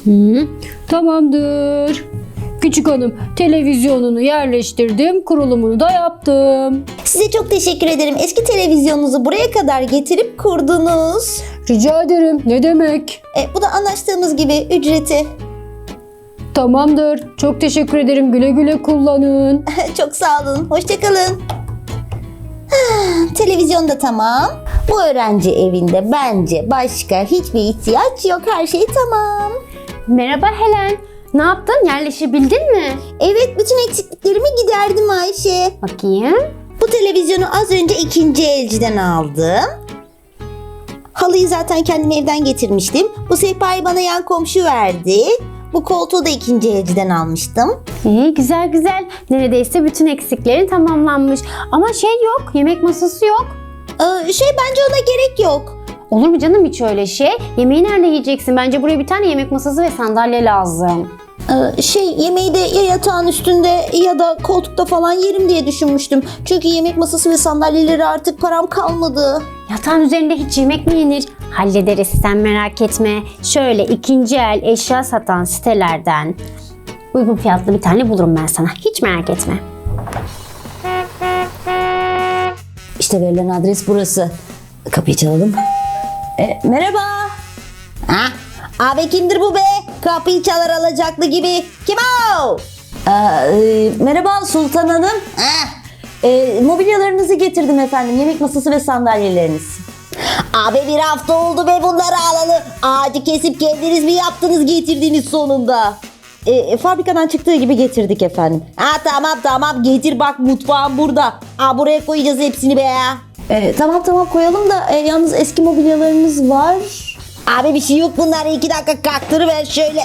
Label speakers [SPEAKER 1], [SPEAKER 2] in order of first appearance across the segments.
[SPEAKER 1] Tamamdır. Küçük hanım, televizyonunu yerleştirdim, kurulumunu da yaptım.
[SPEAKER 2] Size çok teşekkür ederim. Eski televizyonunuzu buraya kadar getirip kurdunuz.
[SPEAKER 1] Rica ederim. Ne demek?
[SPEAKER 2] Bu da anlaştığımız gibi ücreti.
[SPEAKER 1] Tamamdır. Çok teşekkür ederim. Güle güle kullanın.
[SPEAKER 2] Çok sağ olun. Hoşça kalın. Televizyon da tamam. Bu öğrenci evinde bence başka hiçbir ihtiyaç yok. Her şey tamam.
[SPEAKER 3] Merhaba Helen. Ne yaptın? Yerleşebildin mi?
[SPEAKER 2] Evet, bütün eksikliklerimi giderdim Ayşe.
[SPEAKER 3] Bakayım.
[SPEAKER 2] Bu televizyonu az önce ikinci elciden aldım. Halıyı zaten kendim evden getirmiştim. Bu sehpayı bana yan komşu verdi. Bu koltuğu da ikinci elciden almıştım.
[SPEAKER 3] İyi, güzel güzel. Neredeyse bütün eksiklerin tamamlanmış. Ama şey yok, yemek masası yok.
[SPEAKER 2] Bence ona gerek yok.
[SPEAKER 3] Olur mu canım hiç öyle şey? Yemeği nerede yiyeceksin? Bence buraya bir tane yemek masası ve sandalye lazım.
[SPEAKER 2] Yemeği de ya yatağın üstünde ya da koltukta falan yerim diye düşünmüştüm. Çünkü yemek masası ve sandalyeleri artık param kalmadı.
[SPEAKER 3] Yatağın üzerinde hiç yemek mi yenir? Hallederiz, sen merak etme. Şöyle ikinci el eşya satan sitelerden uygun fiyatlı bir tane bulurum ben sana. Hiç merak etme.
[SPEAKER 2] İşte verilen adres burası. Kapıyı çalalım. Merhaba. Abi kimdir bu be? Kapıyı çalar alacaklı gibi. Kim o? Merhaba Sultan Hanım. Mobilyalarınızı getirdim efendim. Yemek masası ve sandalyeleriniz. Abi bir hafta oldu be bunları alalı. Ağacı kesip kendiniz mi yaptınız getirdiniz sonunda? Fabrikadan çıktığı gibi getirdik efendim. Tamam getir bak mutfağım burada. Buraya koyacağız hepsini be ya. Tamam koyalım da yalnız eski mobilyalarınız var. Abi bir şey yok, bunları 2 dakika kaktırıver şöyle.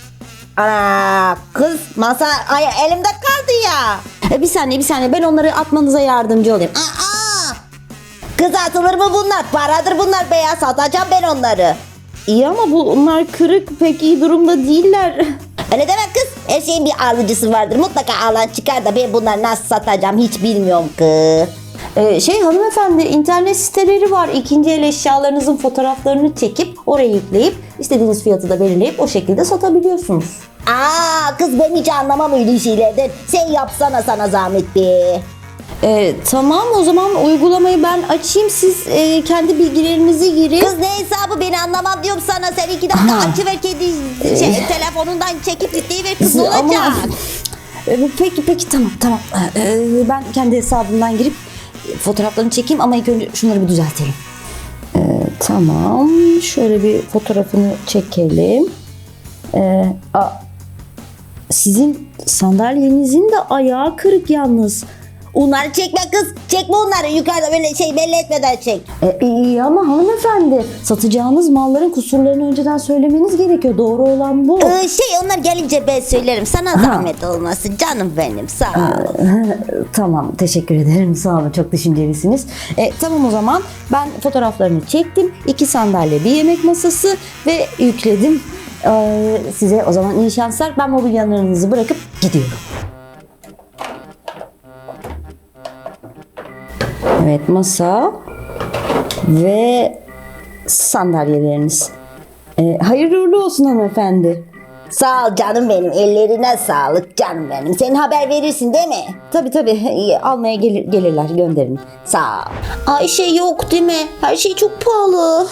[SPEAKER 2] Kız masa elimde kaldı ya. Bir saniye ben onları atmanıza yardımcı olayım. Kız atılır mı bunlar? Paradır bunlar be ya, satacağım ben onları. İyi ama bunlar kırık, pek iyi durumda değiller. Öyle deme kız, her şeyin bir alıcısı vardır. Mutlaka alan çıkar da ben bunları nasıl satacağım hiç bilmiyorum ki. Hanımefendi, internet siteleri var. İkinci el eşyalarınızın fotoğraflarını çekip oraya yükleyip istediğiniz fiyatı da belirleyip o şekilde satabiliyorsunuz. Kız ben hiç anlamam öyle şeylerden. Sen yapsana, sana zahmet be. Tamam, o zaman uygulamayı ben açayım, siz kendi bilgilerinizi girin. Kız ne hesabı, beni anlamam diyorum sana. Sen 2 dakika açıver kendi telefonundan çekip yükleyiver kız, ne olacak? Peki tamam. Ben kendi hesabımdan girip fotoğraflarını çekeyim ama ilk önce şunları bir düzeltelim. Tamam, şöyle bir fotoğrafını çekelim. Sizin sandalyenizin de ayağı kırık yalnız. Onları çekme kız. Çekme onları. Yukarıda böyle belli etmeden çek. İyi ama hanımefendi, satacağınız malların kusurlarını önceden söylemeniz gerekiyor. Doğru olan bu. Onlar gelince ben söylerim. Sana zahmet olmasın canım benim. Sağ ol. Tamam, teşekkür ederim. Sağ olun. Çok düşüncelisiniz. Tamam, o zaman ben fotoğraflarını çektim. 2 sandalye, bir yemek masası ve yükledim. Size o zaman iyi şanslar. Ben mobilyalarınızı bırakıp gidiyorum. Evet, masa ve sandalyeleriniz. Hayırlı uğurlu olsun hanımefendi. Sağ ol canım benim. Ellerine sağlık canım benim. Sen haber verirsin değil mi? Tabii. Almaya gelirler, gönderin. Sağ ol. Ayşe yok değil mi? Her şey çok pahalı.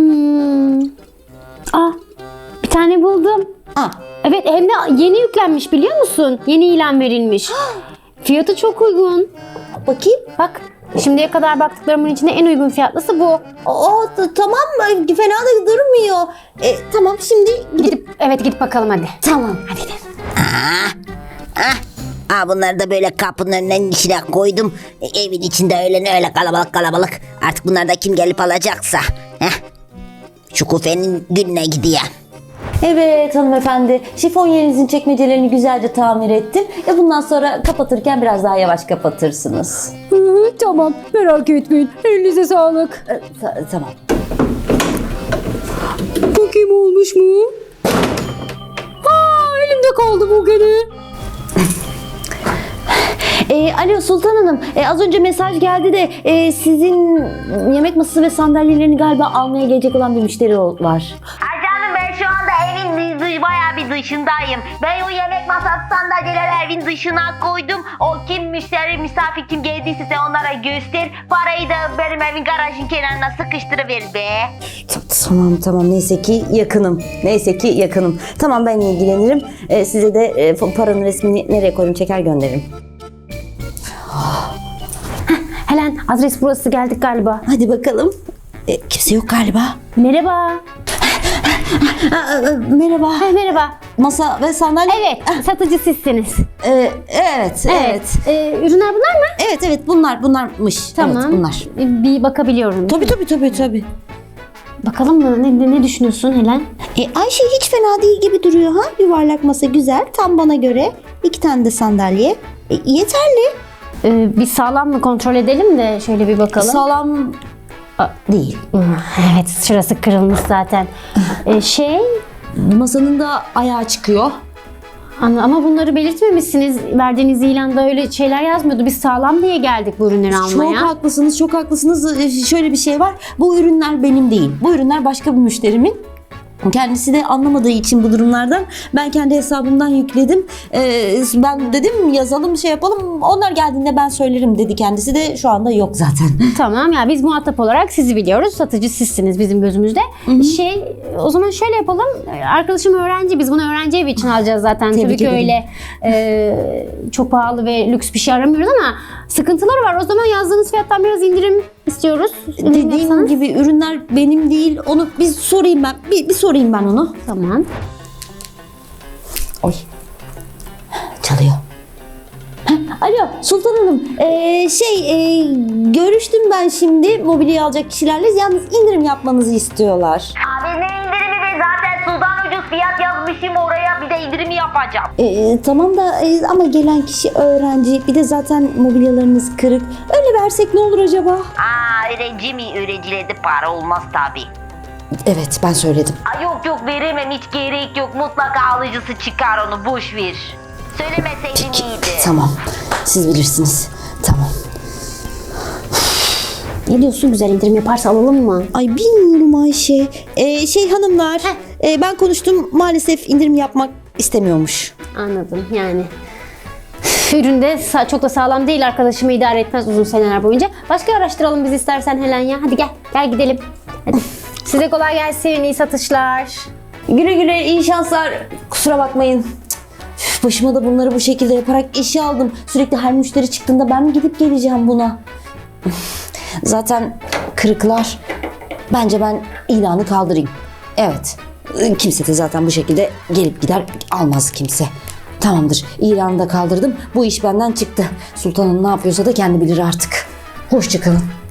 [SPEAKER 3] Bir tane buldum. Evet, hem de yeni yüklenmiş, biliyor musun? Yeni ilan verilmiş. Fiyatı çok uygun.
[SPEAKER 2] Bakayım.
[SPEAKER 3] Bak, şimdiye kadar baktıklarımın içinde en uygun fiyatlısı bu.
[SPEAKER 2] Tamam mı? Fena da durmuyor. Tamam, şimdi
[SPEAKER 3] Gidip bakalım hadi.
[SPEAKER 2] Tamam.
[SPEAKER 3] Hadi gidelim.
[SPEAKER 4] Bunları da böyle kapının önüne içine koydum. Evin içinde öyle kalabalık. Artık bunlar da kim gelip alacaksa. Şu kufenin gününe gideyim.
[SPEAKER 2] Evet hanımefendi, şifonyerinizin çekmecelerini güzelce tamir ettim. Bundan sonra kapatırken biraz daha yavaş kapatırsınız.
[SPEAKER 1] Tamam, merak etmeyin. Elinize sağlık.
[SPEAKER 2] Tamam.
[SPEAKER 1] Bakayım olmuş mu? Elimde kaldı bu gene.
[SPEAKER 2] Alo Sultan Hanım, az önce mesaj geldi de sizin yemek masası ve sandalyelerini galiba almaya gelecek olan bir müşteri var.
[SPEAKER 4] Ay canım, ben şu anda evin
[SPEAKER 5] bayağı bir dışındayım. Ben o yemek masası sandalyeleri evin dışına koydum. O kim müşteri, misafir kim geldiyse sen onlara göster. Parayı da benim evin garajın kenarına sıkıştırıver be.
[SPEAKER 2] Tamam neyse ki yakınım. Tamam ben ilgilenirim. Size de paranın resmini nereye koyayım çeker gönderirim.
[SPEAKER 3] Helen, adres burası, geldik galiba.
[SPEAKER 2] Hadi bakalım. Kimse yok galiba.
[SPEAKER 3] Merhaba.
[SPEAKER 2] Merhaba.
[SPEAKER 3] Merhaba.
[SPEAKER 2] Masa ve sandalye.
[SPEAKER 3] Evet, satıcı sizsiniz.
[SPEAKER 2] Evet.
[SPEAKER 3] Ürünler bunlar mı?
[SPEAKER 2] Evet bunlarmış.
[SPEAKER 3] Tamam.
[SPEAKER 2] Evet, bunlar.
[SPEAKER 3] Bir bakabiliyorum.
[SPEAKER 2] Tabii.
[SPEAKER 3] Bakalım mı? Ne düşünüyorsun Helen?
[SPEAKER 2] Ayşe hiç fena değil gibi duruyor ha. Yuvarlak masa güzel. Tam bana göre. 2 tane de sandalye. Yeterli.
[SPEAKER 3] Bir sağlam mı kontrol edelim de şöyle bir bakalım.
[SPEAKER 2] Sağlam değil.
[SPEAKER 3] Evet, şurası kırılmış zaten.
[SPEAKER 2] Masanın da ayağı çıkıyor.
[SPEAKER 3] Ama bunları belirtmemişsiniz. Verdiğiniz ilanda öyle şeyler yazmıyordu. Biz sağlam diye geldik bu ürünleri almaya.
[SPEAKER 2] Çok haklısınız. Şöyle bir şey var. Bu ürünler benim değil. Bu ürünler başka bir müşterimin. Kendisi de anlamadığı için bu durumlardan ben kendi hesabımdan yükledim. Ben dedim yazalım şey yapalım. Onlar geldiğinde ben söylerim dedi. Kendisi de şu anda yok zaten.
[SPEAKER 3] Tamam ya, biz muhatap olarak sizi biliyoruz. Satıcı sizsiniz bizim gözümüzde. O zaman şöyle yapalım. Arkadaşım öğrenci. Biz bunu öğrenci evi için alacağız zaten.
[SPEAKER 2] Tebrik
[SPEAKER 3] Tabii ki
[SPEAKER 2] ederim.
[SPEAKER 3] öyle çok pahalı ve lüks bir şey aramıyoruz ama sıkıntıları var. O zaman yazdığınız fiyattan biraz indirim istiyoruz. İndirim
[SPEAKER 2] Dediğim
[SPEAKER 3] yapsanız.
[SPEAKER 2] gibi ürünler benim değil. Onu bir sorayım ben. Bir sorayım ben onu.
[SPEAKER 3] Tamam.
[SPEAKER 2] Oy. Çalıyor. Alo Sultan Hanım. Görüştüm ben şimdi mobilyayı alacak kişilerle. Yalnız indirim yapmanızı istiyorlar.
[SPEAKER 5] Abi ne indirimi be, zaten sudan ucuz fiyat yazmışım oraya, bir de indirimi yapacağım.
[SPEAKER 2] Tamam da ama gelen kişi öğrenci. Bir de zaten mobilyalarınız kırık. Öyle versek ne olur acaba?
[SPEAKER 5] Öğrenci mi? Öğrencilerde para olmaz tabi.
[SPEAKER 2] Evet ben söyledim.
[SPEAKER 5] Yok veremem, hiç gerek yok, mutlaka alıcısı çıkar, onu boş ver. Söylemeseydin iyiydi.
[SPEAKER 2] Tamam. Siz bilirsiniz. Tamam.
[SPEAKER 3] Ne diyorsun, güzel indirim yaparsa alalım mı?
[SPEAKER 2] Ay bilmiyorum Ayşe. Hanımlar. Ben konuştum. Maalesef indirim yapmak istemiyormuş.
[SPEAKER 3] Anladım yani. Üründe çok da sağlam değil, arkadaşımı idare etmez uzun seneler boyunca. Başka araştıralım biz istersen Helen ya. Hadi gel gidelim. Hadi. Size kolay gelsin, iyi satışlar.
[SPEAKER 2] Güle güle iyi şanslar. Kusura bakmayın. Üf, başıma da bunları bu şekilde yaparak işe aldım. Sürekli her müşteri çıktığında ben mi gidip geleceğim buna? Zaten kırıklar. Bence ben ilanı kaldırayım. Evet. Kimse de zaten bu şekilde gelip gider almaz kimse. Tamamdır. İlanı da kaldırdım. Bu iş benden çıktı. Sultanım ne yapıyorsa da kendi bilir artık. Hoşça kalın.